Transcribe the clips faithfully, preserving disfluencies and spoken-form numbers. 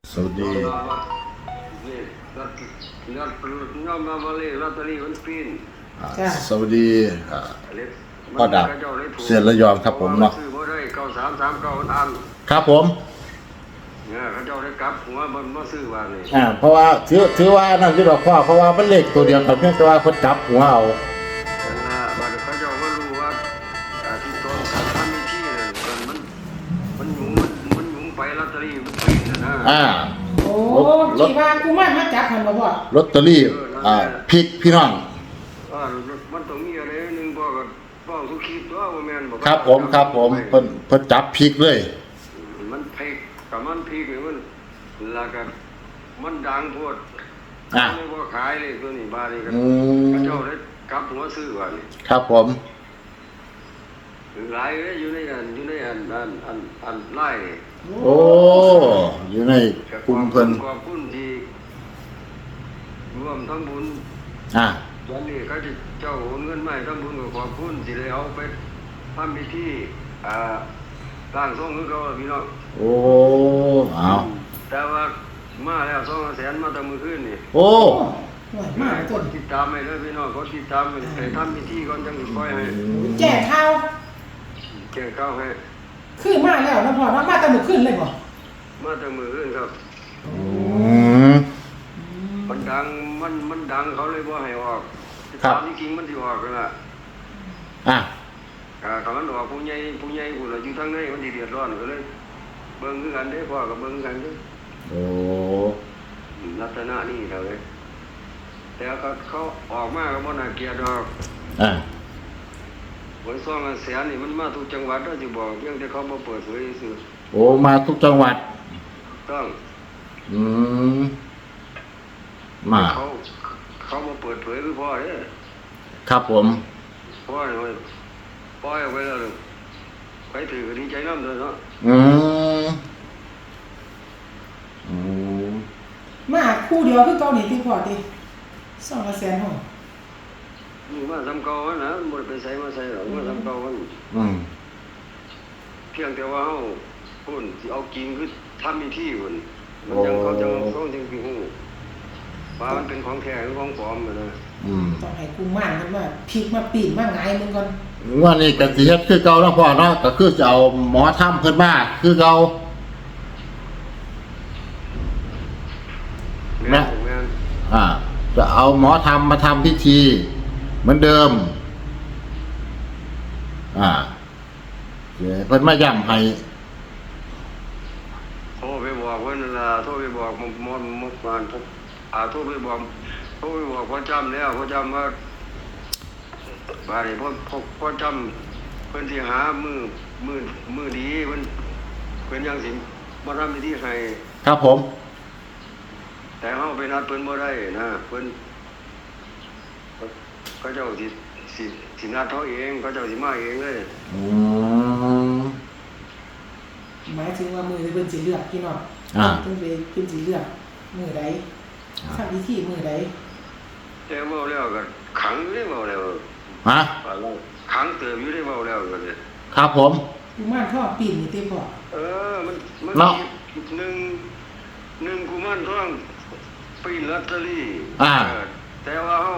สวัสดีนี่รัตรัตน้อมมาบริลอตเตอรี่มันปีนอ่าจ้ะสวัสดีอ่าเล็กพ่อดาบเสียระยองครับผมเนาะซื้อบ่ได้เก้าสามสามเก้าอันครับผมเนี่ยเขาเจ้าได้กลับหัวมันมาซื้อว่านี่อ่าเพราะว่าถือถือว่านั่นที่ดอกพ่อเพราะว่ามันเลขตัวเดียวกันเพียงแต่ว่าเพิ่นจับหัวเอานั่นล่ะบัดเขาเจ้ามารู้ว่าอ่าที่ต้นการทำมีที่นั่นมันมันหยุงมันมันหยุงไปลอตเตอรี่มันปีนน่ะนะอ่าโอ้ที่ว่ากูมามาจับหันบ่พ่อลอตเตอรี่อ่าพริกพี่น้องอ่ามันต้องมีอะไรหนึงบ่ก็บ่ทุกคิดว่าบ่แม่นบ่ครับผมครับผมเพิ่นเพิ่นจับพริกเลยมันเพกกับมันพีกนี่มันแล้วก็มันดังโพดอ่ะไม่ว่าขายเลยตัวนี้บาทนี่ก็อืมพระเจ้าได้กลับหัวซื้อว่านี่ครับผมหลายเลยอยู่ในอันอยู่ในอันอันอันอันไล่นี่โอ้อยู่ในกลุ่มเพิ่นขอบคุณที่รวมทั้งบุญอ่าวันนี้เขาจะเจ้าโอนเงินมาให้ทั้งบุญก็ขอบคุณที่ได้เอาไปทำพิธีอ่าร่างทรงคือเขาพี่น้องโอ้เอาแต่ว่ามาแล้วสองแสนมาแต่มือขึ้นนี่โอ้หน่วยมามาคต้นนติดตามให้เลยพี่น้องเขาติดตามให้ทำพิธีก่อนจังสิปล่อยให้แจ้ข่าวแจ้งข้าวให้คือมาแล้วนะพ่อเนาะมาแต่มื้อคืนเลยบ่มาแต่มือขึ้นครับอืมมันดังมันมันดังเขาเลยบ่ให้ออกครับตามที่จริงมันสิออกกันล่ะอ่ะอ่าถ้ามันออกผู้ใหญ่ผู้ใหญ่ผู้ละอยู่ทางในมันสิเดือดร้อนก็เลย เบิ่งคือกันเด้อพ่อก็เบิ่งคือกันเด้อโอ้ลักษณะนี้เท่าเลยแต่ก็เขาออกมาก็บ่น่าเกลียดดอกอ่ะหวยซองอันแสนนี่มันมาทุกจังหวัดเด้อสิบอกเพียงแต่เขาบ่เปิดเผยซื่อโอ้มาทุกจังหวัดต้องอืมมาเขาเขามาเปิดเผยคือพ่อเนี่ยครับผมพ่อเนี่ยมันปล่อยออกไปแล้วเลยไปถือก็ดีใจน้ำเลยเนาะอืมอืมมาคู่เดียวคือเก่านี่ที่พ่อติสองละแสนห้องนี่มาทำเก่าวันนะมันไปใส่มาใส่หรอกมาทำเก่าวันอืมเพียงแต่ว่าเขาคนที่เอากินคือทำมีที่คนมันยังเขาจะเขาจึงคือหูว่ามันเป็นของแท้หรือของปลอมนะอืมต้องให้กูม่านมันมาพลิกมาปีนมาหงายมึงก่อนว่านี่กสิเฮ็ดคือเก่าแล้วพ่อเนาะก็คือจะเอาหมอถ้ำเพิ่นมาคือเก่าแม่นแม่นอ่า จะเอาหมอทำมาทำพิธี เหมือนเดิม อ่าเดี๋ยวเพิ่นมาย้ำให้โทรไปบอกเพิ่นนั่นล่ะโทรไปบอกมมมมบานอ่าโทรไปบอกโทรไปบอกพ่อจำแล้วพ่อจำว่าบาดนี้พ่อพ่อพ่อจำเพิ่นสิหามือมือมือดีเพิ่นเพิ่นยังสิมาทำพิธีให้ครับผมแต่เฮาไปนัดเพิ่นบ่ได้นะเพิ่นเขาเจ้าสิสิสินัดเขาเองเขาเจ้าสิมาเองเลยอืมหมายถึงว่ามือที่เพิ่นสิเลือกพี่น้องอ่าเพิ่นไปเพิ่นสิเลือกมือใดทำพิธีมือใดแต่เว้าแล้วก็ขังเลยเว้าแล้วฮะว่าเราขังเติบอยู่ได้เว้าแล้วก็เลยครับผมกูม่านพ่อปีนนี่ติพ่อเออมันมันเนาะมีหนึ่งหนึ่งกุมารทองปีนลอตเตอรี่อ่าเแต่ว่าเฮา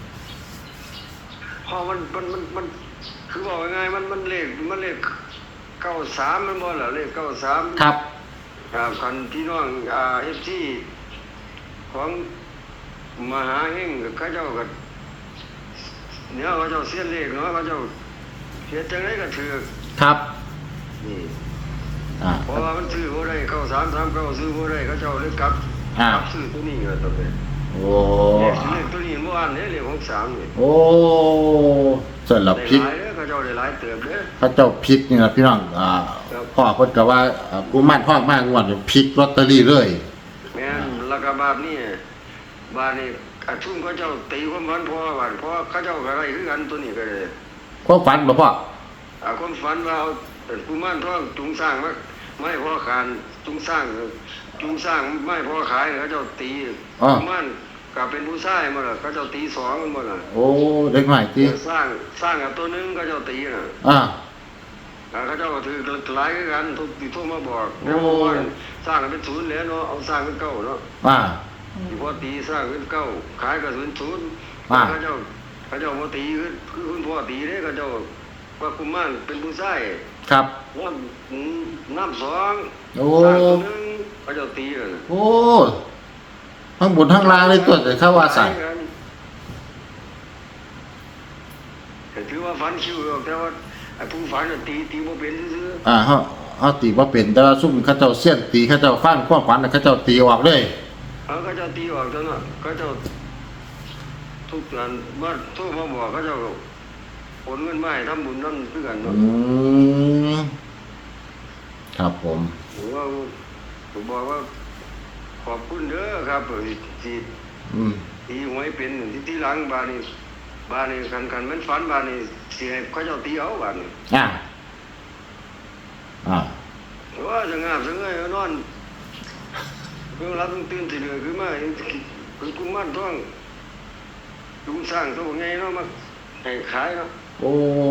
พอมันมันมันมันคือบอกยังไงมันมันเลขมันเลขเก้าสามมันบ่ล่ะเลขเก้าสามครับครับคันพี่น้องอ่า เอฟ ซี ของมหาเฮงเขาเจ้าก็เนี่ยเขาเจ้าเสียนเลขเนาะเขาเจ้าเสียจังไดก็ถือครับนี่อ่าเพราะว่ามันซื้อบ่ได้เก้าสามสามเก้าซื้อบ่ได้เขาเจ้าเลยกลับอ่ากลับซื้อตัวนี้ก็ต้องเป็นโอ้เลขเลขตัวนี้เมื่อวานนี้เลขหกสามนี่โอ้เสร็จแล้วได้พริกหลายเด้อเขาเจ้าได้หลายเติบเด้อพระเจ้าพริกนี่นะพี่น้อง อ่าครับพ่อเพิ่นก็ว่าอ่ากูมั่นพ่อมากงวดพริกลอตเตอรี่เลยแม่นแล้วก็บาทนี้บาทนี้อาชุ่มเขาเจ้าตีความฝันพ่อบาทเพราะเขาเจ้าก็ได้คือกันตัวนี้ก็ได้ความฝันบ่พ่ออาความฝันว่าเอาเป็นกุมารทองจุงสร้างมาไม่พอขานจุงสร้างจุงสร้างไม่พอขายเขาเจ้าตีอ่ากุมารก็เป็นผู้ชายมาล่ะเขาเจ้าตีสองมันบ่ล่ะโอ้เด็กใหม่ติสร้างสร้างกับตัวหนึงเขาเจ้าตีน่ะอ่าอ่าเขาเจ้าก็ถือหลายคือกันทุกที่โทรมาบอกโอ้แล้วเมื่อวานสร้างกันเป็นศูนย์แล้วเนาะเอาสร้างเป็นเก้าเนาะอ่าที่พ่อตีสร้างเป็นเก้าขายก็ศูนย์ศูนย์อ่าเขาเจ้าเขาเจ้าพ่อตีคือคือคุณพ่อตีเด้เขาเจ้าว่ากุมารเป็นผู้ชายครับน้ำน้ำสองโอ้สร้างตัวหนึงเขาเจ้าตีเลยโอ้ทั้งบนทั้งล่างเลยตัวแต่เข้าว่าสั่นแต่ถือว่าฝันคิวหรอกแต่ว่าไอ้ผู้ฝันน่ะตีตีบ่เป็นซื่ออ่าเฮาเฮาตีบ่เป็นแต่ว่าซุ่มเขาเจ้าเสี้ยนตีเขาเจ้าฟังความฝันน่ะเขาเจ้าตีออกเลยๆเขาก็เจ้าตีออกจังน่ะเขาเจ้าทุกงานมาโทรมาบอกเขาเจ้าโอนเงินมาให้ทำบุญนั่นคือกันอืเนาะมครับผมผมว่าผมบอกว่าขอบคุณเด้อครับที่อืมตีหวยเป็นที่ที่หลังบ้านนี้บ้านนี้คันคันมันฝันบ้านนี้สิให้เขาเจ้าตีเอาบ้านนี้อ่าอ่าว่าจะงามจะเงยนอนเพิ่งรับตื่นสิเหลือคือมาคือกุมารทองลุงสร้างตัวไงเนาะมาให้ขายเนาะโอ้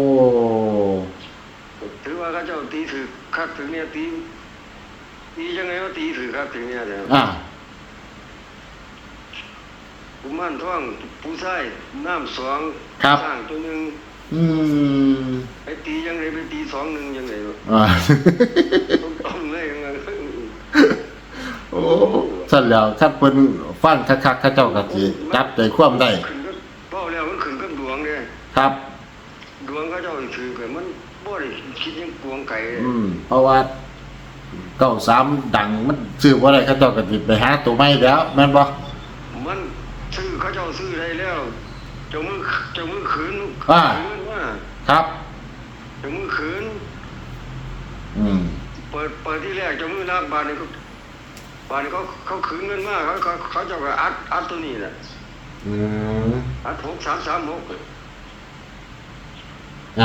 ถือว่าเขาเจ้าตีถือคักถึงเนี่ยตีตียังไงว่าตีถือคักถึงเนี่ยเด้ออ่ากุมารทองผู้ชายน้ำสองครับสร้างตัวหนึงอืมไอ้ตียังไงไปตีสองหนึ่งยังไงเนาะอ่าต้องต้องเลยยังไงโอ้สั่นแล้วคันเพิ่นฟังคักๆเขาเจ้าก็สิจับใจความได้ขึ้นกับเป้าแล้วมันขึ้นกับดวงเด้ครับดวงเขาเจ้าถือกันมันบ่ได้คิดยังกวงไก่อืมเพราะว่าเก้าสามดังมันซื้อบ่ได้เขาเจ้าก็สิไปหาตัวใหม่แล้วแม่นบ่มันซื้อเขาเจ้าซื้อได้แล้วเจ้ามือเจ้ามือขืนอ่าขืนว่าครับเจ้ามือขืนอืมเปิดเปิดที่แรกเจ้ามือนักบานนี่เขาบานนี่เขาเขาขืนเงินมากเขาเขาเขาเจ้าก็อัดอัดตัวนี้แหละอืมอัดหกสามสามหกอ่า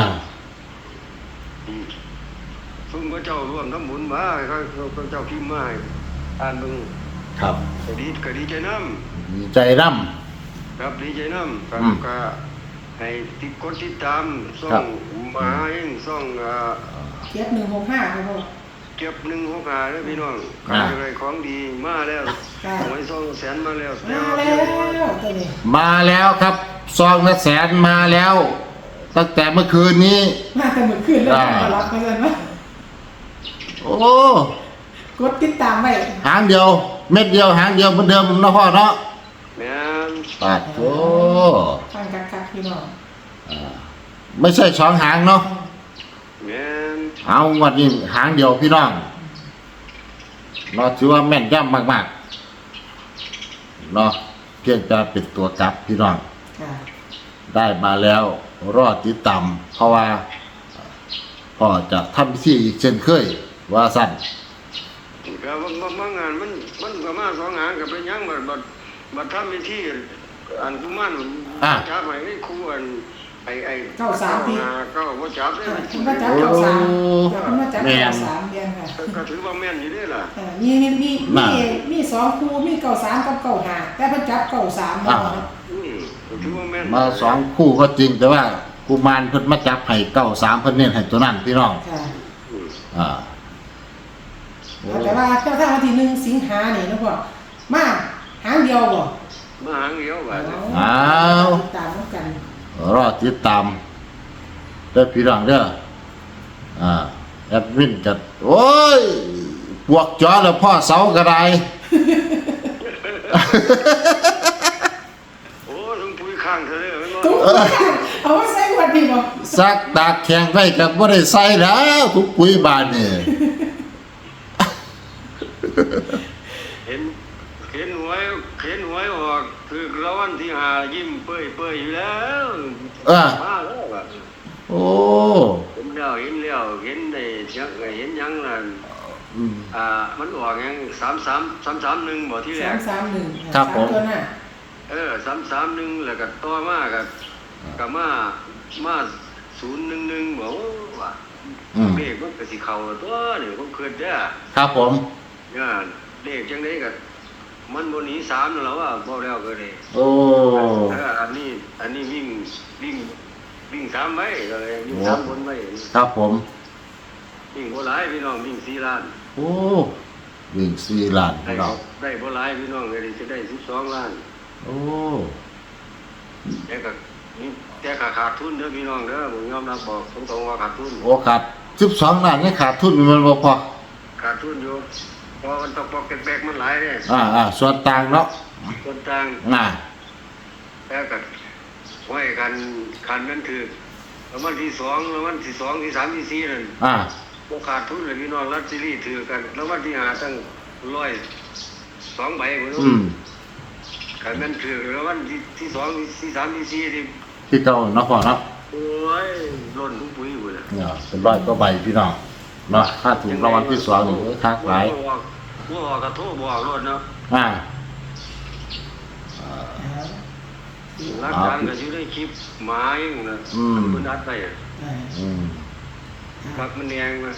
ซึ่งพระเจ้าร่วมทำบุญมาเขาเขาเขาเจ้าพิมพ์มาให้อ่านเบิ่งครับก็ดีก็ดีใจน้ดีใจนำำครับดีใจน้ำก็อืมก็ให้ติดกดติดตามซ่อครังบหมาเองซ่องอ่าเทียบหนึ่งหกห้าครับพ่อเก็บหนึ่งหกหาแล้วพี่น้องอ่าอะไรของดีมาแล้วค่ะหวยซ่องแสนมาแล้วมาแล้วตัวนี้มาแล้วครับซองละแสนมาแล้ว ตั้งแต่เมื่อคืนนี้มาแต่เมื่อคืนแล้วอ่ามารับมาเลยมั้ยโอ้กดติดตามไว้หางเดียว เม็ดเดียวหางเดียวเหมือนเดิมเนาะพ่อเนาะแม่นปาดโอ้ฟังคักๆพี่น้องอ่าไม่ใช่สองหางเนาะแม่นเอาวันนี้หางเดียวพี่น้องเราถือว่าแม่นย่ำมากๆเนาะเพียงแต่เป็นตัวกลับพี่น้องค่ะได้มาแล้วรอดติดตามเพราะว่าพ่อจะทำพิธีอีกเช่นเคย ว่าสั้นก็บางบางบางงานมันมันก็มาสองงานก็เป็นหยังบัดบัดบัดทำพิธีอันกุมารอ่าจับให้นี่ครูอันไอ้ไอ้เก้าสามปีอ่เก้าบ่จับได้ค่ะคุณมาจับเก้าสามเดี๋ยวคุณมาจับเก้าสามเดือนค่ะก็ก็ถือว่าแม่นอยู่เด้ล่ะเออมีมีมีมีมีสองคู่มีเก้าสามกับเก้าห้าแต่เพิ่นจับเก้าสามมาเนาะอืมก็ถือว่าแม่นมาสองคู่ก็จริงแต่ว่ากุมารเพิ่นมาจับให้เก้าสามเพิ่นเน้นให้ตัวนั้นพี่น้องค่ะอืมอ่าโอ้แต่ว่าถ้าถ้าวันที่หนึ่งสิงหาเนี่ยนะพ่อมาหางเดียวบ่มาหางเดียวบัดนี้อ้าวติดตามกันรอติดตามเด้อพี่น้องเด้ออ่าแอดมินจัดโอ้ยปวกจอแล้วพ่อเสากระไดโอ้ลุงปุ้ยข้างเธอเด้อแม่นบ่ตุ๊กเอาไว้ใส่วันนี้บ่ซักตากแข็งไว้กับบ่ได้ใส่แล้วทุกปุ๋ยบานนี่เห็นเห็นหวยเห็นหวยออกคือรางวัลที่ห้ายิ้มเปื่อยๆอยู่แล้วเออมาแล้วบัดโอ้เห็นแล้วเห็นแล้วเห็นได้เสียงเห็นหยังนั่นอืมอ่ามันออกหยังสามสามสามสามหนึ่งบ่ที่แรสาก มสามหนึ่งครับผมตัวหน้าเออสามสามหนึ่งแล้วก็ต่อมาก็ก็มามาศูนย์หนึ่งหนึ่งบ่ว่าอืมเลขมันก็สิเข้าตัวนี่ผมคิดเด้อครับผมเนี่ยเลขจังได๋ก็มันบ่หนีสามนั่นแหละว่าบ่แล้วก็ได้โอ้เอออันนี้อันนี้วิ่งวิ่งวิ่งสามไว้ก็เลยวิ่งสามบนไว้ครับผมวิ่งบ่หลายพี่น้องวิ่งสี่ล้านโอ้วิ่งสี่ล้านได้พี่น้องได้บ่หลายพี่น้องเลยจะได้สิบสองล้านโอ้แต่ก็นี่แต่ก็ขาดทุนเด้อพี่น้องเด้อผมยอมรับบอกตรงๆว่าขาดทุนโอ้ขาดสิบสองล้านนี่ขาดทุนมันบ่พอขาดทุนอยู่เพราะมันตกปอกแปลกๆมันหลายเด้อ่าอ่าส่วนต่างเนาะส่วนต่างอ่าแล้วก็ไว้กันคันนั้นถือแล้ววันที่สองแล้ววันที่สองที่สามที่สี่นั่นอ่าบ่ขาดทุนเลยพี่น้องรัดซีรีส์ถือกัน แล้ววันที่ห้าตั้งร้อยสองใบพุ่นอืมคันนั้นถือแล้ววันที่ที่สองที่สามที่สี่นี่ที่เก่าเนาะพ่อเนาะโอ้ยล้นทุกปุ๋ยพุ่นน่ะเนี่ยเป็นร้อยกว่าใบพี่น้องเนาะค่าถูกรางวัลที่สองนี่โอ้ยคักหลายบ่บอกบ่บอกก็โทรบอกรถเนาะอ่ารักฐานก็อยู่ในคลิปหมาเองนะอืมเพิ่นอัดไปอะอ่าอืมปักมันแดงนะ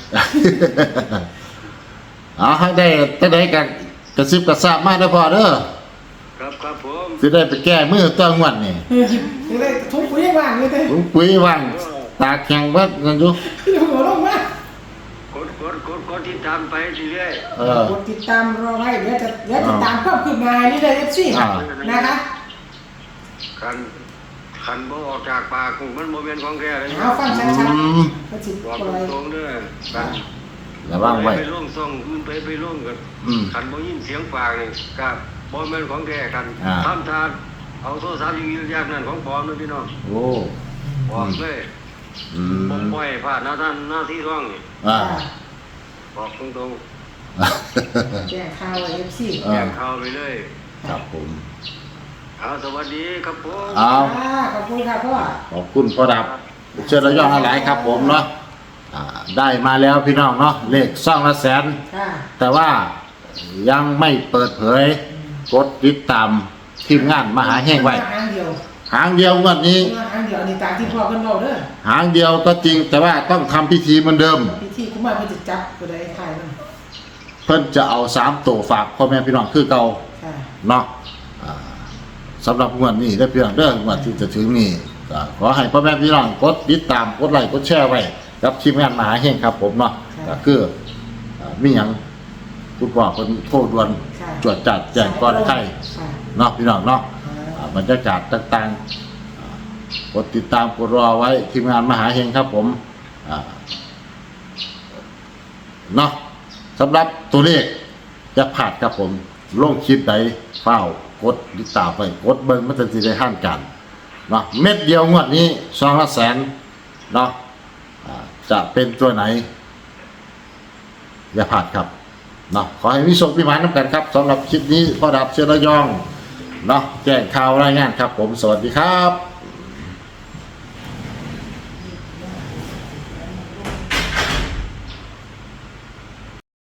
เอาให้ได้จะได้กันกระซิบกระซาบมาได้อพอเด้อครับครับผมสิได้ไปแก้มือตัวงวดนี่เออจะได้ทุกปุ๋ยว่างเลยเต้ลุงปุ๋ยว่างตาแข็งเบิดกันอยู่อยู่หัวลงมากดกดกดกดติดตามไปเรื่อยเออกดติดตามรอไว้เดี๋ยวจะเดี๋ยวจะตามความคืบหน้านี่เลยเอฟซีอ่านะคะๆคันคันบ่ออกจากปากกูมันบ่แม่นของแท้เลยเอาฟังชัอืดมๆก็สิบบอกปล่อยตรงๆเด้อคันระวังไว้ไปล่วงซ่องอื่นไปไปล่วงกันอืมคันบ่ยินเสียงปากนี่ก็บ่แม่นของแท้กันอ่าทำทานเอาโทรศัพท์อยู่ๆอย่างนั้นของปลอมนะพี่น้องโอ้บอกเลยอืผมมปล่อยผ่านหน้าท่านหน้าที่ร่องนี่อ่าบอกตรงแจ้งข่าวเอฟซีๆอ่าแจ้งข่าวไปเลยครับผมเอาสวัสดีครับผมเอาขอบคุณค่ะพ่อขอบคุณพ่อดับเชิญระยองหลายครับผมเนาะอ่าได้มาแล้วพี่น้องเนาะเลขซ่องละแสนค่ะแต่ว่ายังไม่เปิดเผยกดติดตามทีมงานมหาแห่งไว้หางเดียวหางเดียวงวันนี้หางเดียวนี่ตามที่พ่อเพิ่นบอกเด้อหางเดียวก็จริง แต่ว่าต้องทำพิธีเหมือนเดิมพิธีกุมารเพิ่นจะจับก็ได้ถ่ายมันเพิ่นจะเอาสามตัวฝากพ่อแม่พี่น้องคือเก่าค่ะเนาะอ่าสำหรับงวดนี้ได้อพี่น้องเด้องวดที่จะถึงนี้ก็ขอให้พ่อแม่พี่น้องกดติดตามกดไลค์กดแชร์ไว้กับทีมงานมหาแห่งครับผมเนาะก็คืออ่ามีหยังคุณพ่อเพิ่นโทรด่วนค่ะจวดจัดแจ้งก่อนใครค่ะเนาะพี่น้องเนาะอ่าอ่าบรรยากาศต่างๆอ่ากดติดตามกดรอไว้ทีมงานมหาเฮงครับผมอ่าเนาะสำหรับตัวเลขจะผ่านครับผมลงคลิปใดเฝ้ากดติดตามไปกดเบิ้งมันจะสิได้ห้านกันเนาะเม็ดเดียวงวดนี้สองละแสนเนาะอ่าจะเป็นตัวไหน อย่าผ่านครับเนาะขอให้มีโชคมีหมายน้ำกันครับสำหรับคลิปนี้พ่อดับเชื้อระยองเนาะแจ้งข่าวรายงานครับผมสวัสดีครับ